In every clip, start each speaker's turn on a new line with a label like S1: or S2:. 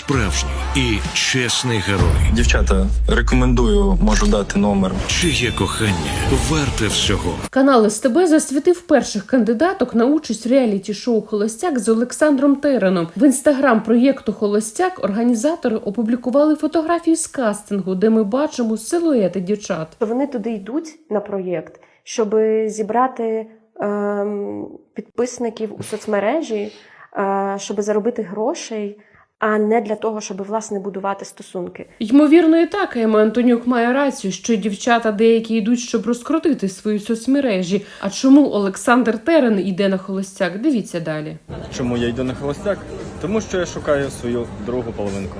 S1: справжній і чесний герой.
S2: Дівчата, рекомендую, можу дати номер.
S1: Чиє кохання варте всього.
S3: Канал СТБ засвітив перших кандидаток на участь в реаліті-шоу «Холостяк» з Олександром Тереном. В інстаграм проєкту «Холостяк» організатори опублікували фотографії з кастингу, де ми бачимо силуети дівчат.
S4: Вони туди йдуть на проєкт, щоб зібрати підписників у соцмережі, щоб заробити грошей, а не для того, щоб, власне, будувати стосунки.
S3: Ймовірно, і так Ема Антонюк має рацію, що дівчата деякі йдуть, щоб розкрутити свої соцмережі. А чому Олександр Терен йде на «Холостяк»? Дивіться далі.
S5: Чому я йду на холостяк? Тому що я шукаю свою другу половинку.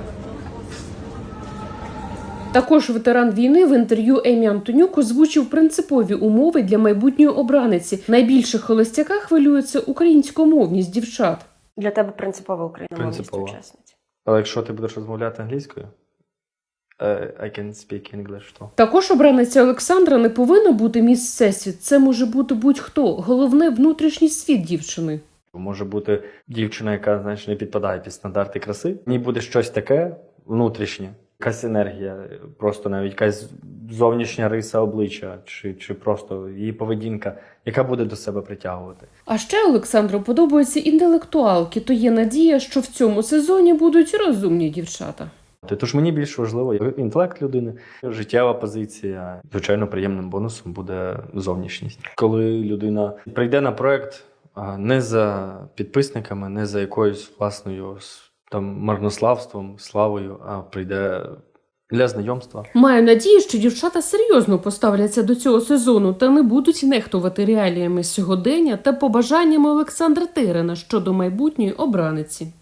S3: Також ветеран війни в інтерв'ю Емі Антонюк озвучив принципові умови для майбутньої обраниці. Найбільше холостяка хвилюється українськомовність дівчат.
S4: Для тебе принципова україномовність
S5: Принципово.
S4: учасниць.
S5: Але якщо ти будеш розмовляти англійською, I can speak English, то...
S3: Також обраниця Олександра не повинна бути міс Всесвіт. Це може бути будь-хто. Головне – внутрішній світ дівчини.
S5: Може бути дівчина, яка, знаєш, не підпадає під стандарти краси. В ній буде щось таке внутрішнє. Якась енергія, просто навіть якась зовнішня риса обличчя, чи просто її поведінка, яка буде до себе притягувати.
S3: А ще Олександру подобаються інтелектуалки, то є надія, що в цьому сезоні будуть розумні дівчата.
S5: Тож мені більш важливо інтелект людини, життєва позиція. Звичайно, приємним бонусом буде зовнішність. Коли людина прийде на проект не за підписниками, не за якоюсь власною там марнославством, славою, а прийде для знайомства.
S3: Маю надію, що дівчата серйозно поставляться до цього сезону та не будуть нехтувати реаліями сьогодення та побажаннями Олександра Терена щодо майбутньої обраниці.